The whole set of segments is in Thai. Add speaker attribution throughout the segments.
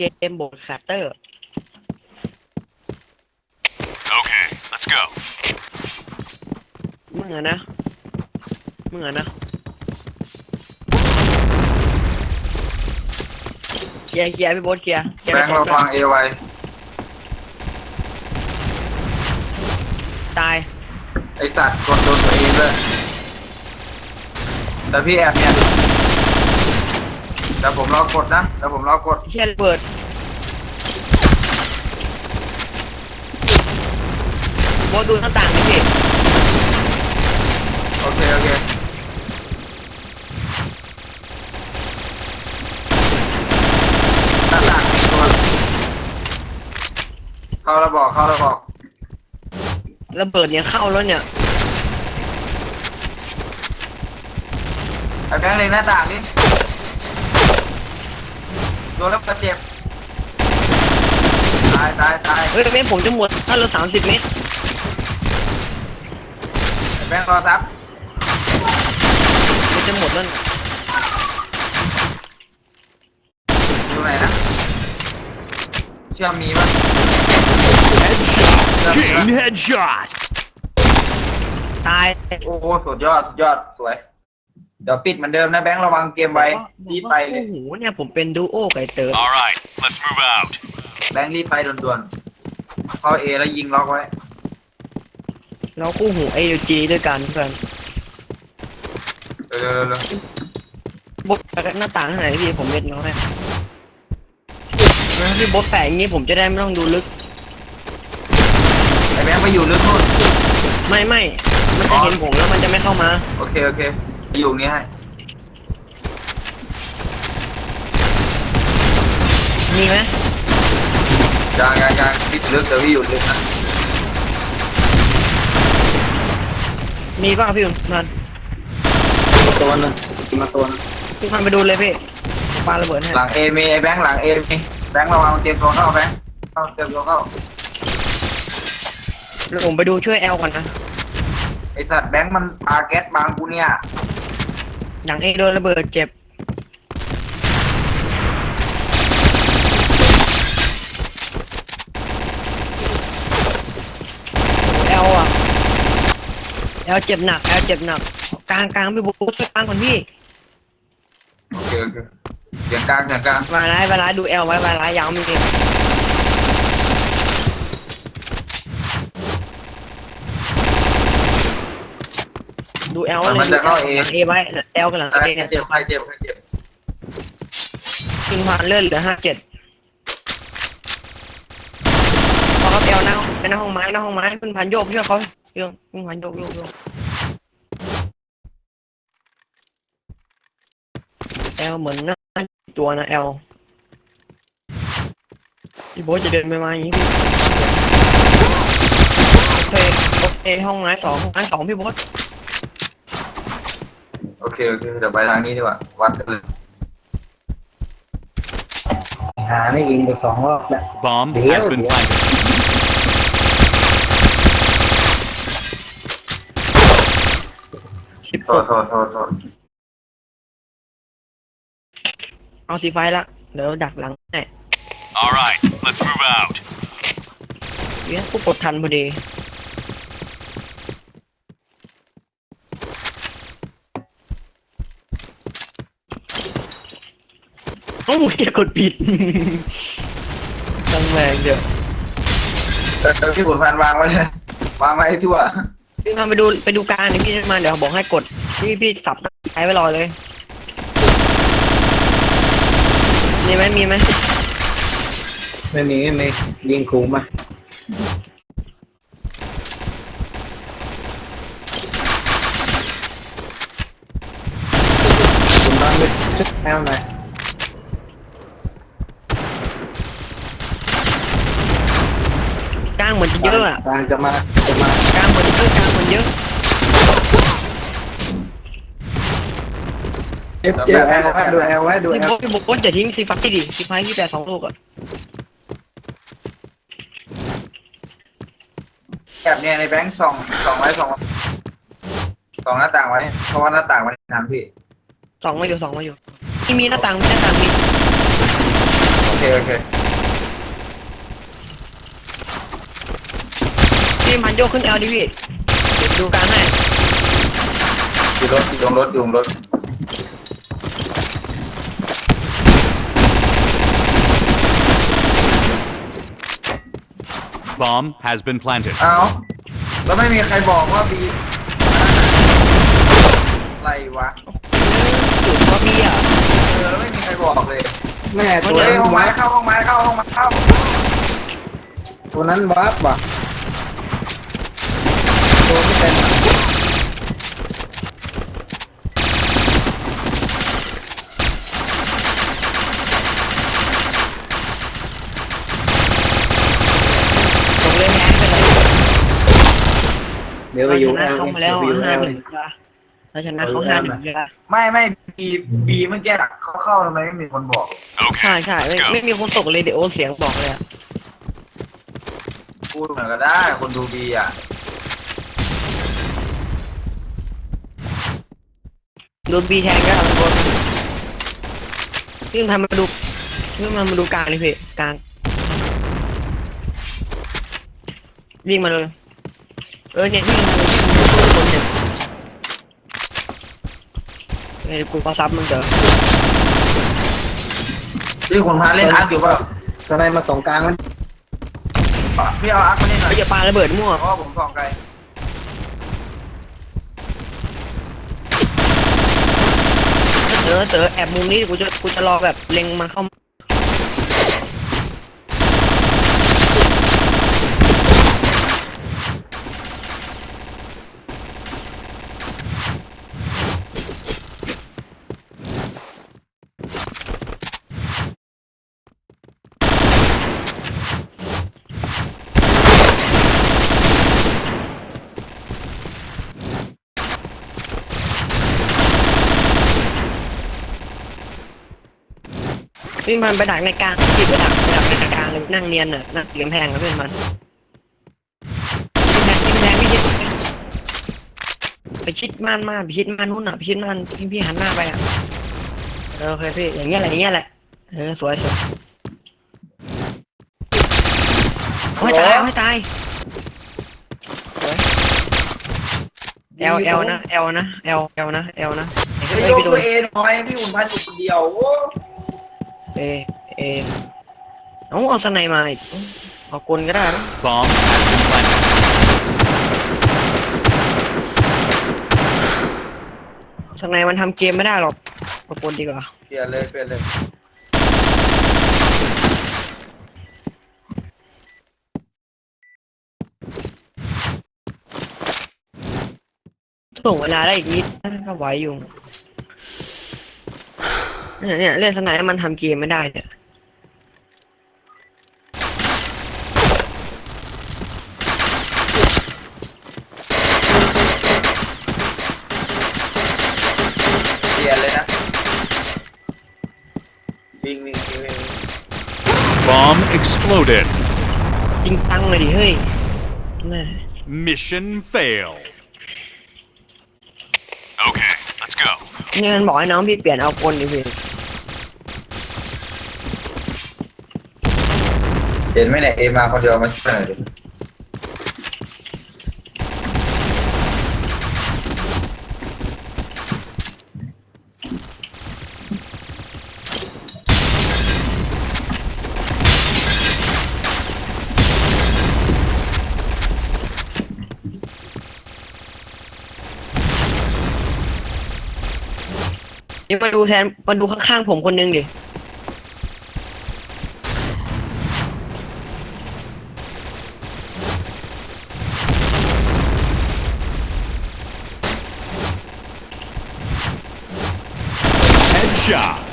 Speaker 1: เกมโบดแคตเตอร์
Speaker 2: Okay, let's go.
Speaker 1: มึงอะนะเคลียร์พี่โบ๊ทเคลียร์
Speaker 3: แบงค์เราฟังเอไว
Speaker 1: ตาย
Speaker 3: ไอสัตว์กดโดนตัวเองด้วยแต่พี่แอบเนี่ยแต่ผมรอกดนะแต่ผมรอกด
Speaker 1: เฮียระเบิดโบ๊ทดูหน้าต่างนี่พี่
Speaker 3: โอเคโอเคหน้าต่างมีตัวเข้าแล้วบอก
Speaker 1: ระเบิดเนี่ยเข้าแล้วเนี่ย
Speaker 3: ไอ้แบงค์เลยหน้าต่างนี่โดนแล้วก็เจ็บตาย
Speaker 1: เฮ้ยเมตรผมจะหมดถ้าเรา30 เมตร
Speaker 3: ไอ้แบงค์รอซับ
Speaker 1: มันจะหมดแล้วนะ
Speaker 3: อยู่ไหนนะเชื่อมมีป่ะ
Speaker 2: Chain headshot.
Speaker 1: ตาย
Speaker 3: โอ้สุดยอดสวยเดี๋ยวปิดเหมือนเดิมนะแบงค์ระวังเกมไว้รีบไปเลย
Speaker 1: โอ้โหเนี่ยผมเป็นดูโอไก่เติร์
Speaker 2: All right, let's move out.
Speaker 3: แบงค์รีบไปด่วนๆเข้าเอแล้วยิงล็อกไว้
Speaker 1: เราคู่หู AUG ด้วยกันเพื่อน
Speaker 3: เร็ว
Speaker 1: บดหน้าต่างไหนพี่ผมเม็ดน้อยพี่บดแปะอย่างงี้ผมจะได้ไม่ต้องดูลึก
Speaker 3: ไอ้แบงค์ไปอยู่ลึกนู่น
Speaker 1: ไม่มันจะเห็นผมแล้วมันจะไม่เข้ามา
Speaker 3: โอเคไปอยู่นี้ให้
Speaker 1: มีไหม
Speaker 3: ยังพี่ลึกแต่พี่อยู่ลึกนะ
Speaker 1: มีป่ะพี่มัน
Speaker 3: ตัวนึงมาตัวนึง
Speaker 1: พี่มันไปดูเลยพี่ปาระเบิดให้
Speaker 3: หลังเอมีไอ้แบงค์หลังเอมีแบงค์ระวังเตรียมตัวเข้าแบงค์เตรียมตัวเข้า
Speaker 1: แล้วผมไปดูช่วยแอลก่อนนะ
Speaker 3: ไอ้สัตว์แบงค์มันปาแก๊สบางกูเนี่ย
Speaker 1: อย่างเอโดนระเบิดเจ็บแอลอ่ะแอลเจ็บหนักกลางพี่บุ๊คช่วยกลางก่อนพี่
Speaker 3: โอเคเสียงกลาง
Speaker 1: เวลาดูแอลไว้เวลายาวมีจริงดูแอลเลยเอไว้แอลกันหลัง
Speaker 3: ใคร
Speaker 1: เอเนี่ย
Speaker 3: เจ็บ
Speaker 1: ทิ้งผ่านเลื่อนเหลือ57พอเขาแอลหน้าห้องไม้คุณผ่านโยกช่วยเขาคุณผ่านโยกแอลเหมือนหน้าตัวนะแอลพี่โบ๊ทจะเดินไปมาอย่างนี้พี่โอเคห้องไม้สองพี่โบ๊ท
Speaker 3: โอเคเดี๋ยวไปทางนี้ดีกว่าวัดกันเลย
Speaker 4: หาไม่ยิงไป2 รอบแล้ว
Speaker 2: Bomb
Speaker 4: Deal,
Speaker 2: has been
Speaker 4: deal.
Speaker 2: planted.
Speaker 3: โทษ
Speaker 1: เอาสีไฟละเดี๋ยวดักหลังให้
Speaker 2: All right, let's move out.
Speaker 1: เนี่ยผู้กดทันพอดีโอ้ยกดผิดตั้งแรงเดี๋ยว
Speaker 3: พี่ขุนพันวางไว้เลย วางไว้ให้ทั่ว
Speaker 1: พี่มาไปดูการนี่พี่มาเดี๋ยวบอกให้กดพี่สับใช้ไว้รอเลยมีไหม
Speaker 4: ไม่มียิงคุ้มมาคุณบ้านไปชุดแอลหน่อย
Speaker 1: กลางเหมือนจะเยอะอ่ะ
Speaker 4: กลางจะมาก
Speaker 1: ลางเหมือนเยอะ
Speaker 4: เจ็บแอลไว้ดูแอลไว้ดูแอล
Speaker 1: พี่บุ๊คจะทิ้งสีฟ้าดิสีฟ้าที่แต่2 ลูกอ่ะ
Speaker 3: แบบเนี้ยในแบงค์ส่องไว้ส่องหน้าต่างไว้ เพราะว่าหน้าต่างมันทำพี่
Speaker 1: 2 มาอยู่ที่มีหน้าต่างมี
Speaker 3: โโอเคโอเค
Speaker 1: พี่มันโยกขึ้นแอลดิพี่เดี๋ยวดูการให้
Speaker 3: อยู่รถอยู่รถอยู่รถ
Speaker 2: Bomb has been planted.
Speaker 3: เอาแล้วไม่มีใครบอกว่าบีอะไรวะ
Speaker 1: จุดก็พี่อ่ะ
Speaker 3: แล้วไม่มีใครบอกเลย
Speaker 4: แม่
Speaker 3: เฮ้ยห้องไม้เข้าห้องไม้เข้าห้องไม้เข้า
Speaker 4: ตัวนั้นวับว่ะตัวไม่เป็นอะ
Speaker 1: ผมเลยแพ้ไปเลย
Speaker 4: เดี๋ยวไปอยู่
Speaker 1: ช
Speaker 4: แอ
Speaker 1: นะ
Speaker 4: ล
Speaker 1: เขามาแล้ว
Speaker 4: เดี๋ยวไปอยู่แอ
Speaker 1: 5-1
Speaker 4: ล
Speaker 1: จ้ะเราชนะเขา5-1จ้ะ
Speaker 3: ไม่บีเมื่อกี้เขาเข้าทำไมไม่มีคนบอก
Speaker 1: ใช่
Speaker 2: Okay,
Speaker 1: ใช่
Speaker 2: let's
Speaker 1: ไม่
Speaker 2: go.
Speaker 1: มีคนตกเลยเดี๋ยวโอเสียงบอกเลยอ่ะ
Speaker 3: พูดเหมือนก็ได้คนดูบีอ่ะ
Speaker 1: โดนบีแทงก็ทำโดนพี่ทำมาดูพี่มาดูกลางเลยพี่กลางวิ่งมาเลยเนี่ยวิ่งมาเลยคนเนี่ยไอ้กูก็ซับมึงเจอ
Speaker 3: ที่คุณพาเล่นอาร์คอยู่เปล่า
Speaker 4: ตอนไหนมาส่งกลางมัน
Speaker 3: พี่เอาอาร์คมาเล่นหน่อย
Speaker 1: ไอ้อย่าปาระเบิดมั่ว
Speaker 3: เพราะว่าผมส่องไกล
Speaker 1: เต๋อแอบมุมนี้กูจะรอแบบเล็งมันเข้าพี่มันไปดักในกลางจิบไปดักในกลางเลยนั่งเนียนน่ะนั่งเสียงแพงกับเพื่อนมันพี่ชิดไปชิดม่านมาไปชิดม่านนู่นอ่ะไปชิดม่านพี่หันหน้าไปอ่ะโอเคพี่อย่างเงี้ยแหละสวยไม่ตายสวยเอลนะเอลนะเฮ้
Speaker 3: ไม่
Speaker 1: ย
Speaker 3: ยก
Speaker 1: พี่โด
Speaker 3: ตัวน เองหน่อยพี่อุ่นพันอยู่คนเดียวโอ้
Speaker 1: เอเอาสไนมาอีกเอากลก็ได้นะ
Speaker 2: Bomb has been planted.
Speaker 1: สไนมันทำเกมไม่ได้หรอกเอากลดีกว่า
Speaker 3: เปลี่ยนเลย
Speaker 1: ส่งเวลาได้อีกนิดก็ไหวอยู่เนี่ยเล่นสไนมันทำเกมไม่ได้เนี่ย
Speaker 3: เปลี่ยนเลยนะวิ่ง
Speaker 2: Bomb exploded.
Speaker 1: จริงจังเลยดิเฮ้ยแม่
Speaker 2: Mission fail. Okay, let's go.
Speaker 1: เนี่ยมันบอกให้น้องพี่เปลี่ยนเอากลดิพี่
Speaker 3: เห็นไหมเนี่ยเอมาคนเดียวมาช่วยหน่อยดิ
Speaker 1: นี่มาดูข้างๆผมคนนึงดิ
Speaker 2: Headshot.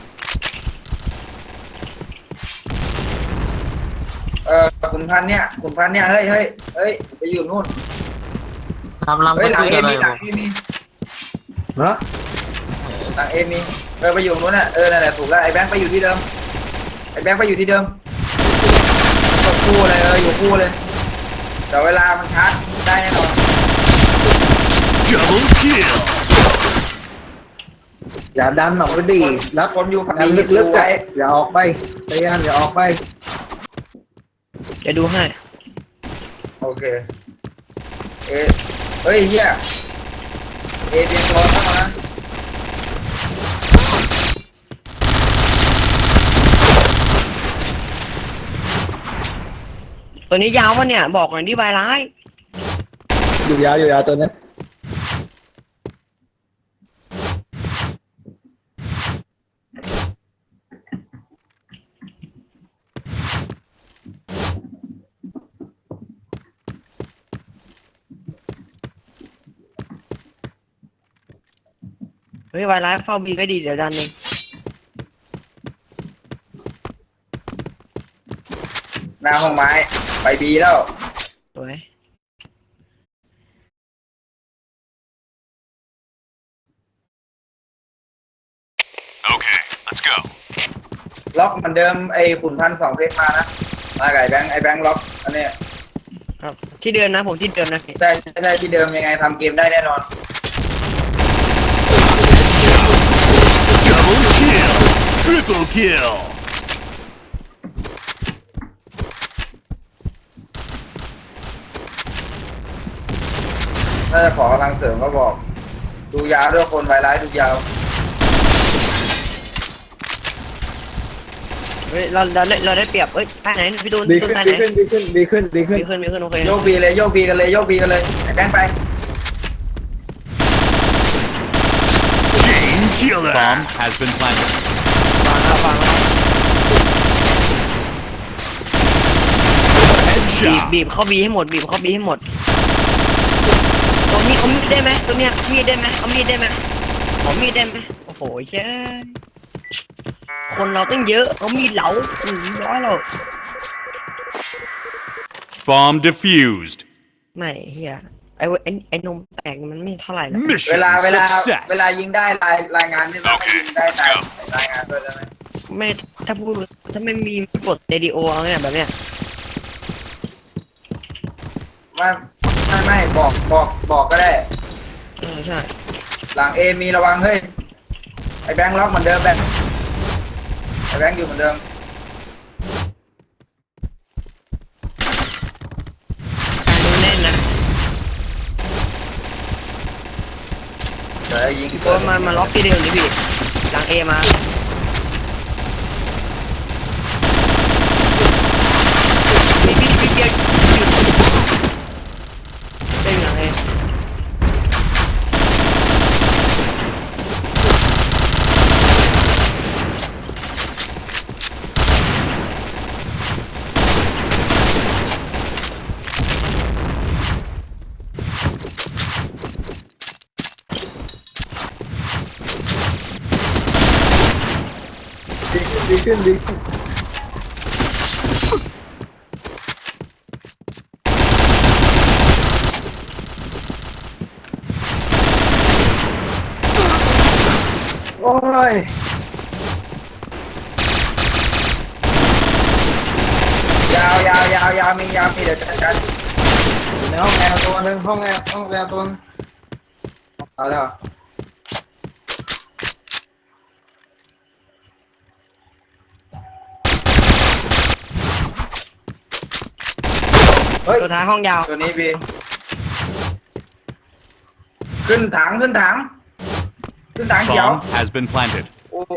Speaker 3: ขุนพันธุ์เนี่ยเฮ้ยไปอยู่นู่น
Speaker 4: ทำลำ
Speaker 3: เฮ้ยหลัง
Speaker 4: คุ
Speaker 3: เอย
Speaker 4: กันเล
Speaker 3: มี
Speaker 4: ย
Speaker 3: หลังเอมี
Speaker 4: เนาะ
Speaker 3: หลังเอมีไปอยู่นู้นน่ะนั่นแหละถูกแล้วไอ้แบงค์ไปอยู่ที่เดิมอยู่คู่เลยอยู่คู่เลยแต่เวลามันชาร์จได้แน่นอน
Speaker 2: Double kill.
Speaker 4: อย่าดันออกไปดิรับ
Speaker 3: คนอยู่ฝั่ง
Speaker 4: ดัน
Speaker 3: นี้
Speaker 4: ลึกๆ
Speaker 3: ไว้
Speaker 4: อะอย่าออกไปพยายามอย่าออกไป
Speaker 1: จะดูให้
Speaker 3: โอเคเฮ้ยเฮียเตรียมตัวเข้ามานะ
Speaker 1: ตัวนี้ยาววะเนี่ยบอกหน่อยดิใบร้าย
Speaker 4: อยู่ยาวตัวนี้
Speaker 1: เฮ้ยใบร้ายเฝ้าบีไว้ดีเดี๋ยวดันเอง
Speaker 3: หน้าห้องไม้ไปบีแล้ว
Speaker 1: สวย
Speaker 2: Okay, let's go.
Speaker 3: ล็อกเหมือนเดิมไอ้ขุนพันสองเพชรมานะมาไก่แบงค์ไอ้แบงค์ล็อกอันเนี้ย
Speaker 1: ครับที่เดิมนะผมที่เดิมนะ
Speaker 3: ใช่ที่เดิมยังไงทำเกมได้แน่นอน
Speaker 2: Double kill. Triple kill.
Speaker 3: ถ้าจะขอกำลังเสริมก็บอก ดูยาวด้วยคนไวร้ายดูยาว
Speaker 1: เฮ้ยเราได้เปรียบเอ้ยท่าไหนพี่ตูน
Speaker 4: ดี
Speaker 1: ตู
Speaker 4: ขึ้
Speaker 1: น
Speaker 4: น
Speaker 1: ท่า
Speaker 4: ดี
Speaker 1: ไหน
Speaker 4: ขึ้นดีขึ้นดีขึ้นดีขึ้น
Speaker 1: มีขึ้นโอเค
Speaker 3: โยกบีเลยโยกบีกันเลยโยกบีกันเลยไอ้แบงค์ไป
Speaker 2: Chain killer. Bomb has been planted.
Speaker 1: ฟังแล้ว
Speaker 2: Headshot.
Speaker 1: บีบเข้าบีให้หมดบีบเข้าบีให้หมดตัวนี้เอามีดได้ไหมตัวเนี้ยมีดได้ไหมเอามีดได้ไหมขอมีดได้ไหมโอ้โหเจ้คนเราตั้งเยอะเอามีดเหลาร้อยเรา
Speaker 2: Bomb defused.
Speaker 1: ไม่เฮียไอ้นมแตกมันไม่เท่าไหร่หรอก
Speaker 2: Mission
Speaker 3: เวลา
Speaker 2: success.
Speaker 3: เวลายิงได้รายงานนี่เราให้ยิงได้ตามรายงานด้วยได้ไหม
Speaker 1: ไม่ถ้าพูดถ้าไม่มีกดเรดิโอเอาเนี่ยแบบเนี้ย
Speaker 3: ไม่บอกก็ได้
Speaker 1: ใช่
Speaker 3: หลังเอมีระวังเฮ้ยไอ้แบงค์ล็อกเหมือนเดิมแบงค์ไอ้แบงค์อยู่เหมือนเดิม
Speaker 1: การดูแน่นนะ
Speaker 3: เดี๋ยวยิง
Speaker 1: ตัวมาล็อกที่เดิมดิพี่หลังเอมาพี่เกียร์เด้งหลังเอ
Speaker 4: ดีขึ้นดีขึ้นโอ้ย
Speaker 3: ยาวมีเดี๋ยวจัดการ
Speaker 4: ในห้องแอร์ตัวนึงห้องแอร์ตัวนึงเอาแล้วเฮ้ย
Speaker 1: ตัวท้ายห้องยาว
Speaker 3: ตัวนี้บีขึ้นถังเขียว
Speaker 2: Bomb has been planted.
Speaker 3: โอ้โห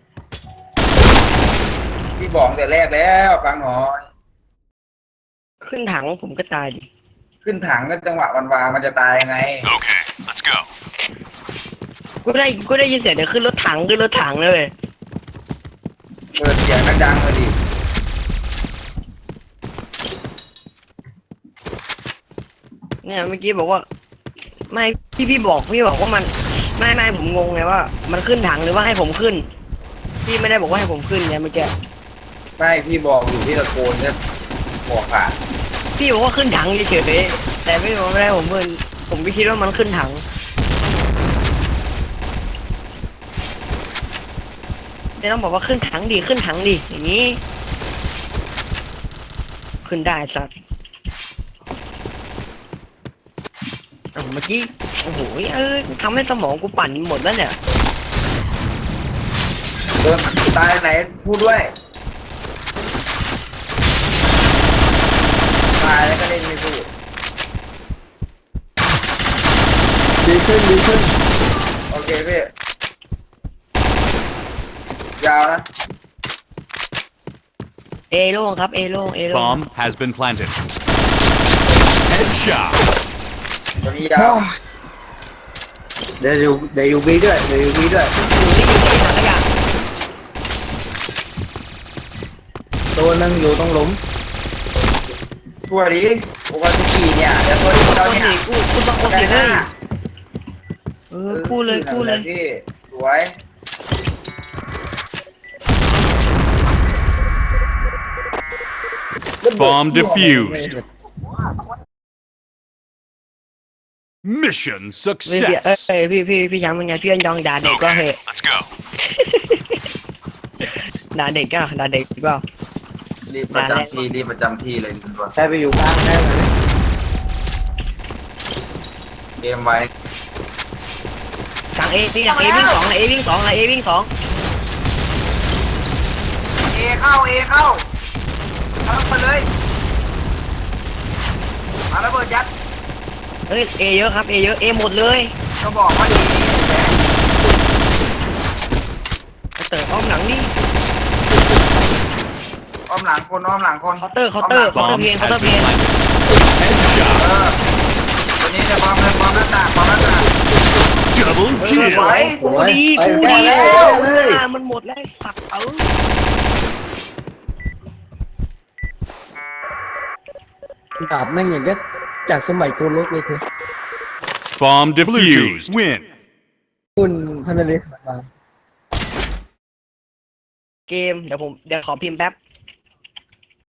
Speaker 3: พี่บอกแต่แรกแล้วฟังหน่อย
Speaker 1: ขึ้นถังผมก็ตายดิ
Speaker 3: ขึ้นถังก็จังหวะวันวามันจะตายยังไง
Speaker 2: Okay, let's go.
Speaker 1: กูได้ยินเสียงเดี๋ยวขึ้นรถถังเลย
Speaker 3: เปิดเสียงดังๆเลยดิ
Speaker 1: เนี่ยเมื่อกี้บอกว่า ไม่พี่บอกว่ามันไม่ผมงงไงว่า มันขึ้นถังหรือว่าให้ผมขึ้นพี่ไม่ได้บอกว่าให้ผมขึ้นไงเมื่อกี้
Speaker 3: ไม่พี่บอกอยู่ที่ตะโกนเนี่ยบอกขาด
Speaker 1: พี่บอกว่าขึ้นถังเฉยๆแต่ไม่บอกไม่ได้ผมขึ้นผมก็คิดว่ามันขึ้นถังแต่ต้องบอกว่าขึ้นถังดิอย่างนี้ขึ้นได้สัตว์เมื่อกี้โอ้โหทำให้สมองกูปั่นหมดแล้วเนี่ย
Speaker 3: ดินตายไหนพูดด้วยตายแล้วก็เล่นไม่พูด
Speaker 4: ดีขึ้นดีขึ้น
Speaker 3: โอเคพี่ยาวนะ
Speaker 1: เอโล่งครับเอโล่งเอโล่ง
Speaker 2: Bomb has been planted. Headshot.
Speaker 3: ตัวนี้ยาว
Speaker 4: เดี๋ยวอยู่บีด้วยเดี๋ยวอยู่บีด้วย
Speaker 1: อยู่ที่อยู่ในถังขยะ
Speaker 4: ตัวหนึงอยู่ตรงหลุม
Speaker 3: ช่วยดิโอกาสกี่เนี่ยเดี๋ยวตัวนี้
Speaker 1: ค
Speaker 3: เรา
Speaker 1: น
Speaker 3: เนี่ย
Speaker 1: สิกูต้องคนสิเฮ้ยกู้เลยกู้เลย
Speaker 3: พี่สวย
Speaker 2: Bomb defused. Mission
Speaker 1: พี่เอ้
Speaker 2: success.
Speaker 1: ยพี่ยังเป็นไงพี่ยองด่าเด็กก็เหอะ
Speaker 2: let's go.
Speaker 1: ด่าเด็กก็ด่าเด็กก็
Speaker 3: รีบประจำที่รีบประจำที่เลยคุณตัว
Speaker 4: ได้ไปอยู่กลางได้ไหม
Speaker 3: เกมไว้
Speaker 1: สั่งเอพี่สั่งเอวิ่งสองเอวิ่งสองเอวิ่งสอง
Speaker 3: เอเข้าเข้าไปเลยมาระเบิดยัด
Speaker 1: เฮ้ยเอเยอะครับเอเยอะเอหมดเลย
Speaker 3: ก็บอกว่าดี
Speaker 1: เตอร์อ้อมหลังนี่
Speaker 3: อ้อมหลังคนอ้อมหลังคน
Speaker 1: เคาน์เตอร์เพน
Speaker 2: Bomb
Speaker 1: เพ
Speaker 2: has
Speaker 1: น
Speaker 2: been planted. Headshot.
Speaker 3: ตัวนี้จะพร้อมเลยพร้อมหน้าต่างพร้อมหน้าต่าง
Speaker 2: Double
Speaker 3: ส
Speaker 2: kill.
Speaker 3: วย
Speaker 1: กูดีกูดีมันหมดแล้วสัก
Speaker 4: ดาบแม่งอย่างเงี้ยจากสมัยตัวเล็กเลยเถอะ
Speaker 2: Bomb defused. Win.
Speaker 4: คุณพันธุ์เล็กมา
Speaker 1: เกมเดี๋ยวขอพิมพ์แป๊บ